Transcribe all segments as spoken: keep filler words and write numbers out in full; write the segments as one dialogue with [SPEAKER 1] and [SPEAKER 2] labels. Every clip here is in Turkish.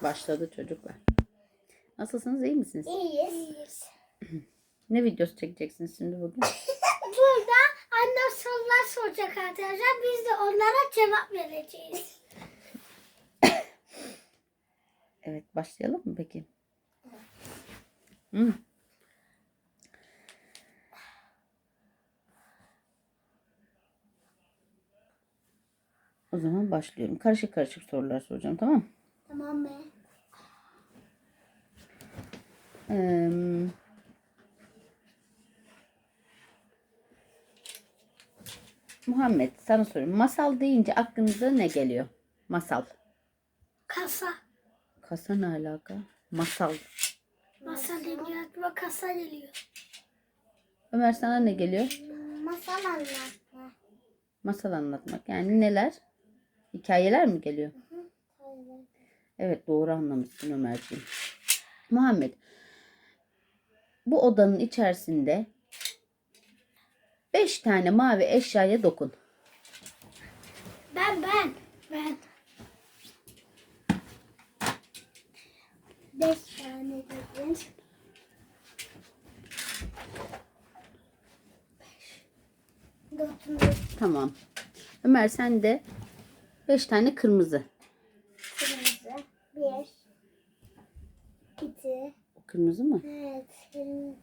[SPEAKER 1] Başladı çocuklar. Nasılsınız? İyi misiniz?
[SPEAKER 2] İyiyiz.
[SPEAKER 1] Ne videosu çekeceksiniz şimdi bugün?
[SPEAKER 2] Burada annem sorular soracak arkadaşlar. Biz de onlara cevap vereceğiz.
[SPEAKER 1] Evet, başlayalım mı peki? Hı. O zaman başlıyorum. Karışık karışık sorular soracağım, tamam mı?
[SPEAKER 2] Tamam mı?
[SPEAKER 1] Ee, Muhammed, sana soruyorum. Masal deyince aklınıza ne geliyor? Masal.
[SPEAKER 2] Kasa.
[SPEAKER 1] Kasa ne alaka? Masal.
[SPEAKER 2] Masa geliyor. Aklıma kasa geliyor.
[SPEAKER 1] Ömer, sana ne geliyor?
[SPEAKER 2] Masal anlatma.
[SPEAKER 1] Masal anlatmak. Yani neler? Hikayeler mi geliyor? Evet, doğru anlamışsın Ömerciğim. Muhammed, bu odanın içerisinde beş tane mavi eşyaya dokun.
[SPEAKER 2] Ben ben. Ben. Beş tane dedim. Dört.
[SPEAKER 1] Tamam. Ömer, sen de beş tane kırmızı.
[SPEAKER 2] Kırmızı. Bir. İki.
[SPEAKER 1] O kırmızı mı?
[SPEAKER 2] Evet. Kırmızı.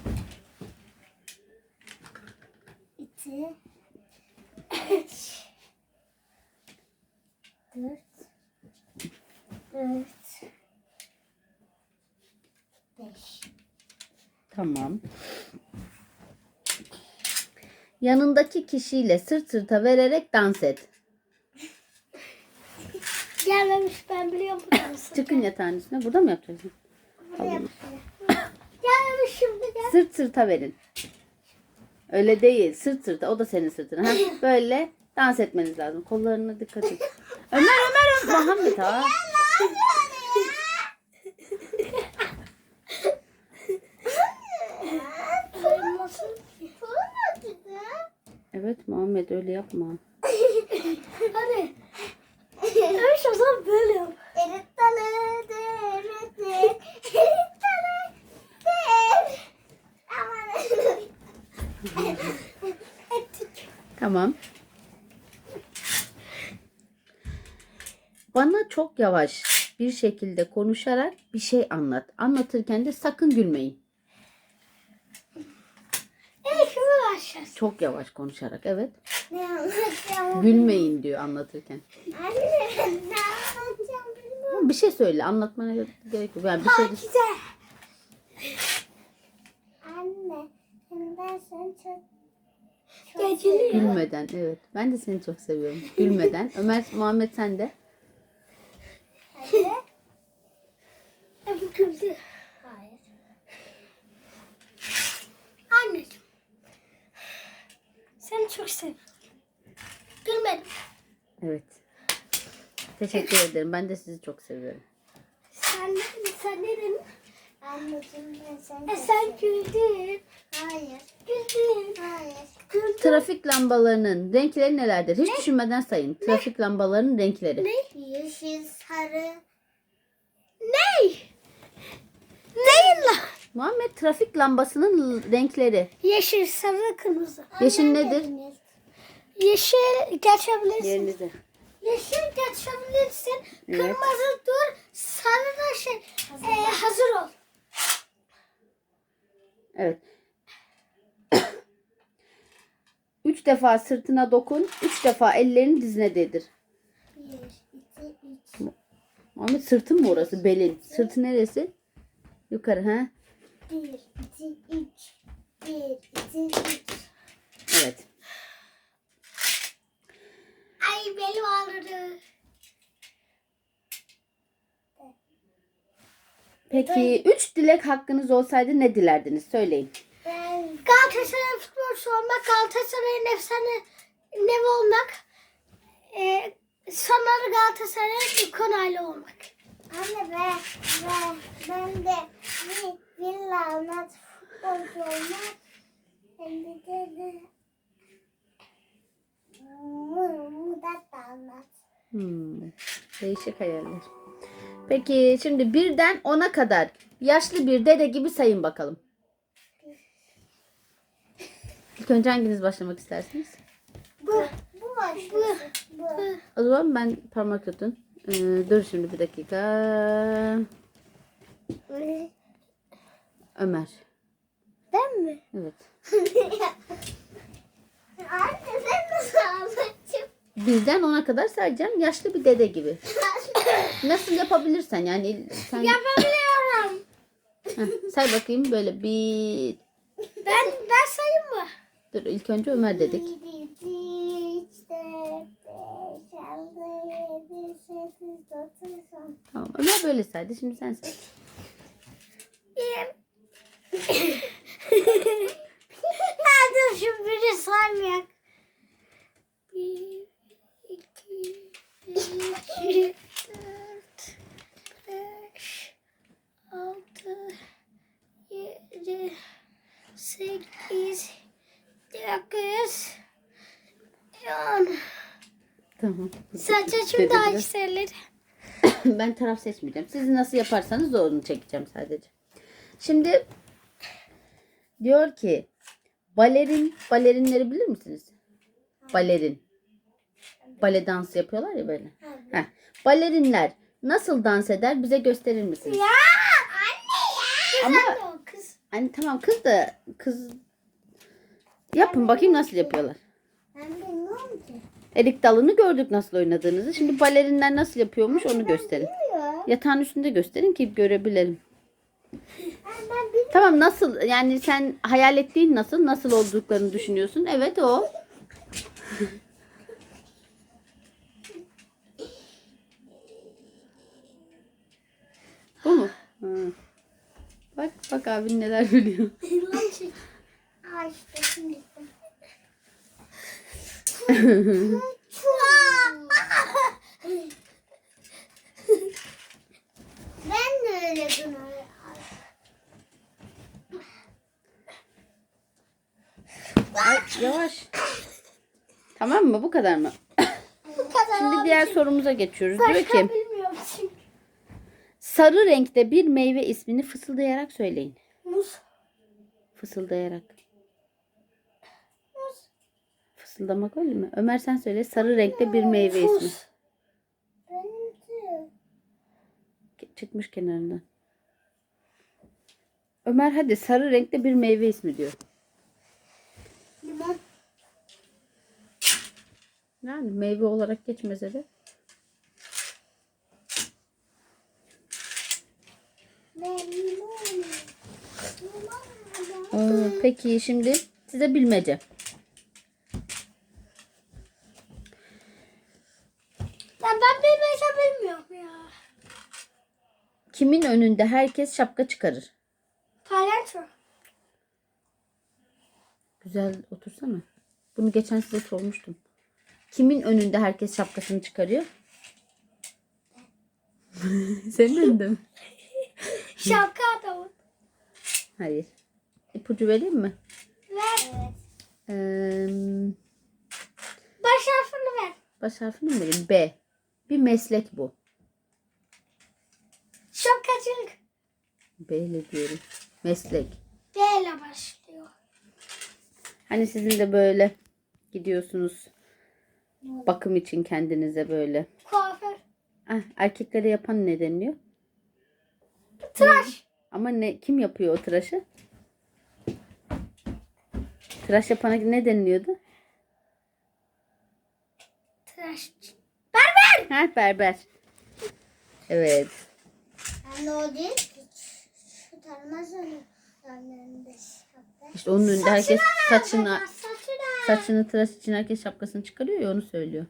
[SPEAKER 2] İki. Üç. Dört. Dört. Beş.
[SPEAKER 1] Tamam. Yanındaki kişiyle sırt sırta vererek dans et.
[SPEAKER 2] Gelmemiş, ben biliyorum bu dansı.
[SPEAKER 1] Çıkın yatağın üstüne. Burada mı yapacaksın?
[SPEAKER 2] Gelmemiş şimdi gel.
[SPEAKER 1] Sırt sırta verin. Öyle değil. Sırt sırta. O da senin sırtına. Ha? Böyle dans etmeniz lazım. Kollarına dikkat et. Ömer, Ömer, Ömer. Muhammed ha. Evet Muhammed, öyle yapma.
[SPEAKER 2] Hadi. Evet, o zaman böyle yap.
[SPEAKER 1] Tamam. Bana çok yavaş bir şekilde konuşarak bir şey anlat. Anlatırken de sakın gülmeyin.
[SPEAKER 2] Evet, şunu başlasın.
[SPEAKER 1] Çok yavaş konuşarak, evet.
[SPEAKER 2] Ne anlatacağım?
[SPEAKER 1] Gülmeyin diyor anlatırken.
[SPEAKER 2] Anne, ne anlatacağım bilmiyorum.
[SPEAKER 1] Bir şey söyle, anlatmana gerek yok. Yani bir şey
[SPEAKER 2] Pakize. Anne, ben seni çok çok seviyorum.
[SPEAKER 1] gülmeden, evet. Ben de seni çok seviyorum. Gülmeden. Ömer, Muhammed, sen de.
[SPEAKER 2] Hadi. E, bu güldü. Hayır. Anneciğim. Seni çok seviyorum. Gülmedim.
[SPEAKER 1] Evet. Teşekkür ederim. Ben de sizi çok seviyorum.
[SPEAKER 2] Sen ne dedin? Sen ne dedin? Anneciğim, ben seni E sen güldün. Hayır. Güldün. Hayır. Güldün.
[SPEAKER 1] Trafik lambalarının renkleri nelerdir? Hiç düşünmeden sayın. Trafik lambalarının renkleri.
[SPEAKER 2] Ne? Yeşil, sarı. Ne? Neyin lan?
[SPEAKER 1] Muhammed, trafik lambasının renkleri.
[SPEAKER 2] Yeşil, sarı, kırmızı.
[SPEAKER 1] Yeşil nedir?
[SPEAKER 2] Yeşil geçebilirsin.
[SPEAKER 1] Yerinize.
[SPEAKER 2] Yeşil geçebilirsin.
[SPEAKER 1] Evet.
[SPEAKER 2] Kırmızı dur. Sarı da şey. Hazır, e, hazır ol.
[SPEAKER 1] Evet. Üç defa sırtına dokun. Üç defa ellerini dizine değdir.
[SPEAKER 2] Bir, iki, üç.
[SPEAKER 1] Muhammed, sırtın mı orası? Belin. Sırtı neresi? Yukarı, ha?
[SPEAKER 2] Bir, iki, üç. Bir, iki, üç.
[SPEAKER 1] Evet.
[SPEAKER 2] Ay, belim ağrıdı.
[SPEAKER 1] Peki üç dilek hakkınız olsaydı ne dilerdiniz? Söyleyin.
[SPEAKER 2] Galatasaray'ın futbolcusu olmak, Galatasaray'ın efsane nevi olmak, e, sonları Galatasaray'ın konaylı olmak. Anne be, be, ben de bir villa almak, futbolcu olmak, hem de de Murat da almak.
[SPEAKER 1] Hmm. Değişik hayaller. Peki şimdi birden ona kadar yaşlı bir dede gibi sayın bakalım. İlk önce hanginiz başlamak istersiniz?
[SPEAKER 2] Bu. Bu başlasın. Bu. Bu.
[SPEAKER 1] O zaman ben parmak tutun. Ee, dur şimdi bir dakika. Ömer.
[SPEAKER 2] Ben mi?
[SPEAKER 1] Evet.
[SPEAKER 2] Anne sen nasıl anlatıyorsun?
[SPEAKER 1] Birden ona kadar sayacağım. Yaşlı bir dede gibi. Nasıl yapabilirsen yani. Sen...
[SPEAKER 2] Yapabiliyorum.
[SPEAKER 1] Heh, say bakayım böyle bir...
[SPEAKER 2] Ben ben sayayım mı?
[SPEAKER 1] Dur ilk önce Ömer dedik.
[SPEAKER 2] Bir, iki, üç, dört, beş, altı, yedi, sekiz, dokuz, on.
[SPEAKER 1] Tamam Ömer böyle saydı. Şimdi sen say.
[SPEAKER 2] Hadi şu biri saymayak. Bir, iki, üç, dört, beş, altı, yedi, sekiz, dokuz, on.
[SPEAKER 1] Tamam.
[SPEAKER 2] Saçacım
[SPEAKER 1] Dede
[SPEAKER 2] daha
[SPEAKER 1] biraz-
[SPEAKER 2] yükselir.
[SPEAKER 1] Ben taraf seçmeyeceğim. Siz nasıl yaparsanız onu çekeceğim sadece. Şimdi diyor ki balerin, balerinleri bilir misiniz? Balerin. Bale dansı yapıyorlar ya böyle. Heh. Balerinler nasıl dans eder bize gösterir misiniz?
[SPEAKER 2] Ya anne ya.
[SPEAKER 1] Ama
[SPEAKER 2] o kız.
[SPEAKER 1] hani tamam kız da kız yapın bakayım nasıl yapıyorlar.
[SPEAKER 2] Ben bilmiyorum ki.
[SPEAKER 1] Erik dalını gördük nasıl oynadığınızı. Şimdi balerinler nasıl yapıyormuş onu gösterin.
[SPEAKER 2] Bilmiyorum.
[SPEAKER 1] Yatağın üstünde gösterin ki görebilelim.
[SPEAKER 2] Ben, ben bilmiyorum.
[SPEAKER 1] Tamam nasıl yani sen hayal ettiğin nasıl nasıl olduklarını düşünüyorsun. Evet o. Bu mu? Hı. Bak bak abin neler biliyor.
[SPEAKER 2] Lan şey. Aa işte şimdi. Ben de öyle bunu.
[SPEAKER 1] Ay, yavaş. Tamam mı? Bu kadar mı?
[SPEAKER 2] Bu kadar
[SPEAKER 1] Şimdi
[SPEAKER 2] abi.
[SPEAKER 1] diğer sorumuza geçiyoruz. Diyor
[SPEAKER 2] Başka
[SPEAKER 1] ki
[SPEAKER 2] bilmiyorum çünkü.
[SPEAKER 1] sarı renkte bir meyve ismini fısıldayarak söyleyin.
[SPEAKER 2] Muz.
[SPEAKER 1] Fısıldayarak.
[SPEAKER 2] Muz.
[SPEAKER 1] Fısıldamak öyle mi? Ömer sen söyle. Sarı renkte bir meyve ismi.
[SPEAKER 2] Muz. Benimki.
[SPEAKER 1] Çıkmış kenarından. Ömer hadi sarı renkte bir meyve ismi diyor.
[SPEAKER 2] Limon.
[SPEAKER 1] Yani meyve olarak geçmese de.
[SPEAKER 2] Ben limon. Limon.
[SPEAKER 1] Aa, peki şimdi size bilmece.
[SPEAKER 2] Ya ben bilmese bilmiyorum ya.
[SPEAKER 1] Kimin önünde herkes şapka çıkarır?
[SPEAKER 2] Palyaço.
[SPEAKER 1] Güzel otursana. Bunu geçen size sormuştum. Kimin önünde herkes şapkasını çıkarıyor? Senin önünde mi?
[SPEAKER 2] Şapka adamı.
[SPEAKER 1] Hayır. İpucu vereyim mi?
[SPEAKER 2] Ver. Evet.
[SPEAKER 1] Ee,
[SPEAKER 2] Baş harfini ver.
[SPEAKER 1] baş harfini mi vereyim? B. Bir meslek bu.
[SPEAKER 2] Şapkacılık.
[SPEAKER 1] B ile diyorum. Meslek.
[SPEAKER 2] D ile başlıyor.
[SPEAKER 1] Hani sizin de böyle gidiyorsunuz bakım için kendinize böyle.
[SPEAKER 2] Kuaför.
[SPEAKER 1] Ah, erkeklere yapan ne deniliyor?
[SPEAKER 2] Tıraş.
[SPEAKER 1] Ama ne kim yapıyor o tıraşı? Tıraş yapana ne deniliyordu?
[SPEAKER 2] Tıraş. Berber.
[SPEAKER 1] Ha, berber. Evet.
[SPEAKER 2] Ben de o değil ki. Şu tanımazsın.
[SPEAKER 1] İşte onun önünde herkes saçını
[SPEAKER 2] Saçına.
[SPEAKER 1] saçını tıraş için herkes şapkasını çıkarıyor ya onu söylüyor.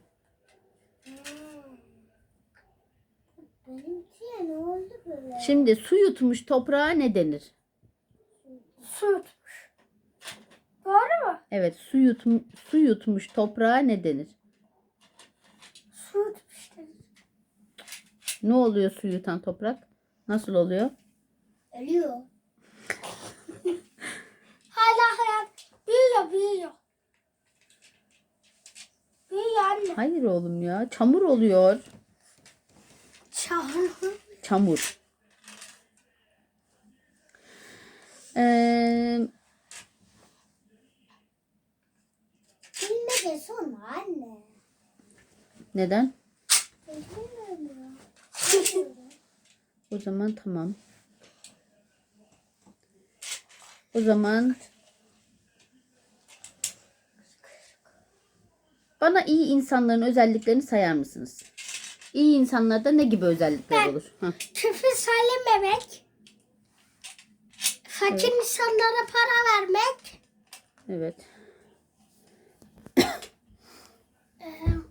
[SPEAKER 2] Benimki ne oldu böyle?
[SPEAKER 1] Şimdi su yutmuş toprağa ne denir?
[SPEAKER 2] Su yutmuş. Doğru mu?
[SPEAKER 1] Evet, su yutmuş su yutmuş toprağa ne denir?
[SPEAKER 2] Su yutmuş dedi.
[SPEAKER 1] Ne oluyor su yutan toprak? Nasıl oluyor?
[SPEAKER 2] Ölüyor. Hala hayat. Büyüyor büyüyor. Büyüyor anne.
[SPEAKER 1] Hayır oğlum ya. Çamur oluyor.
[SPEAKER 2] Çamur.
[SPEAKER 1] Çamur. Ee,
[SPEAKER 2] Bilmece sonra anne.
[SPEAKER 1] neden?
[SPEAKER 2] Bilmiyorum ya.
[SPEAKER 1] O zaman tamam. O zaman bana iyi insanların özelliklerini sayar mısınız? İyi insanlarda ne gibi özellikler
[SPEAKER 2] Ben-
[SPEAKER 1] olur? Hah,
[SPEAKER 2] Küfür söylememek. Fakir insanlara para vermek.
[SPEAKER 1] evet.
[SPEAKER 2] Ee,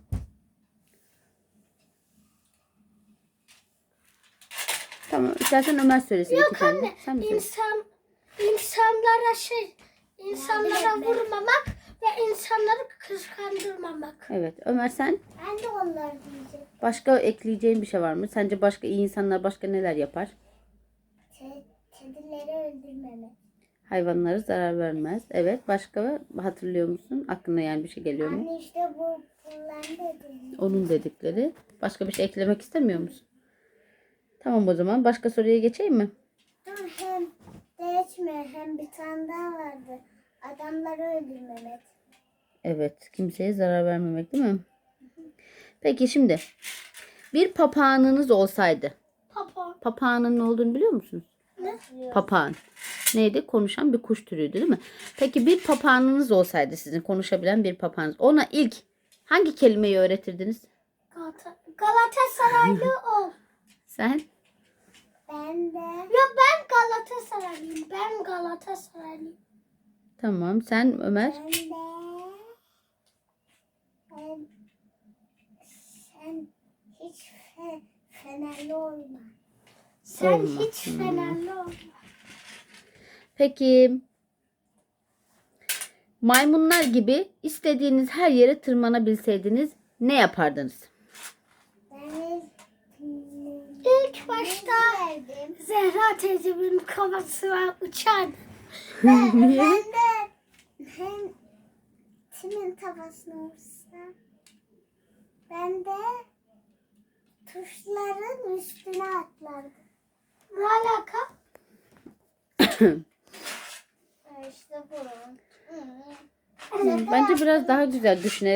[SPEAKER 1] Tamam. İstersen Ömer söylesin.
[SPEAKER 2] Yok
[SPEAKER 1] iki tane.
[SPEAKER 2] anne,
[SPEAKER 1] Sen mi söyle?
[SPEAKER 2] insan insanlara şey, insanlara vurmamak ve insanları kıskandırmamak.
[SPEAKER 1] Evet. Ömer sen?
[SPEAKER 2] Ben de onları diyeceğim.
[SPEAKER 1] Başka ekleyeceğin bir şey var mı? Sence başka iyi insanlar başka neler yapar?
[SPEAKER 2] Kedileri öldürmemek.
[SPEAKER 1] Hayvanlara zarar vermez. Evet. Başka hatırlıyor musun? Aklına yani bir şey geliyor mu?
[SPEAKER 2] Anne işte bu bunlar dedi.
[SPEAKER 1] Onun dedikleri. Başka bir şey eklemek istemiyor musun? Tamam o zaman. Başka soruya geçeyim mi?
[SPEAKER 2] Dur hem geçme hem bir tane daha vardı. Adamları öldürmemek.
[SPEAKER 1] Evet. Kimseye zarar vermemek değil mi? Peki şimdi. Bir papağanınız olsaydı.
[SPEAKER 2] Papa.
[SPEAKER 1] Papağanın ne olduğunu biliyor musunuz?
[SPEAKER 2] Ne?
[SPEAKER 1] Papağan. Neydi? Konuşan bir kuş türüydü değil mi? Peki bir papağanınız olsaydı sizin konuşabilen bir papağanınız. Ona ilk hangi kelimeyi öğretirdiniz?
[SPEAKER 2] Galata Galatasaraylı ol.
[SPEAKER 1] Sen?
[SPEAKER 2] Ben de. Ya ben Galatasaraylıyım. Ben Galatasaraylıyım.
[SPEAKER 1] Tamam. Sen Ömer?
[SPEAKER 2] Ben de. Ben, sen hiç fe, fenerli olma. Sen
[SPEAKER 1] Olma.
[SPEAKER 2] hiç
[SPEAKER 1] Hmm.
[SPEAKER 2] fenerli olma.
[SPEAKER 1] Peki maymunlar gibi istediğiniz her yere tırmanabilseydiniz ne yapardınız?
[SPEAKER 2] Ben ilk başta Zehra teyzemin kafasına uçardım. ben,
[SPEAKER 1] Niye?
[SPEAKER 2] ben de hem kimin kafasına uçsa ben de tuşların üstüne atlardım. Ne alaka? işte bu.
[SPEAKER 1] Bence biraz daha güzel düşünerek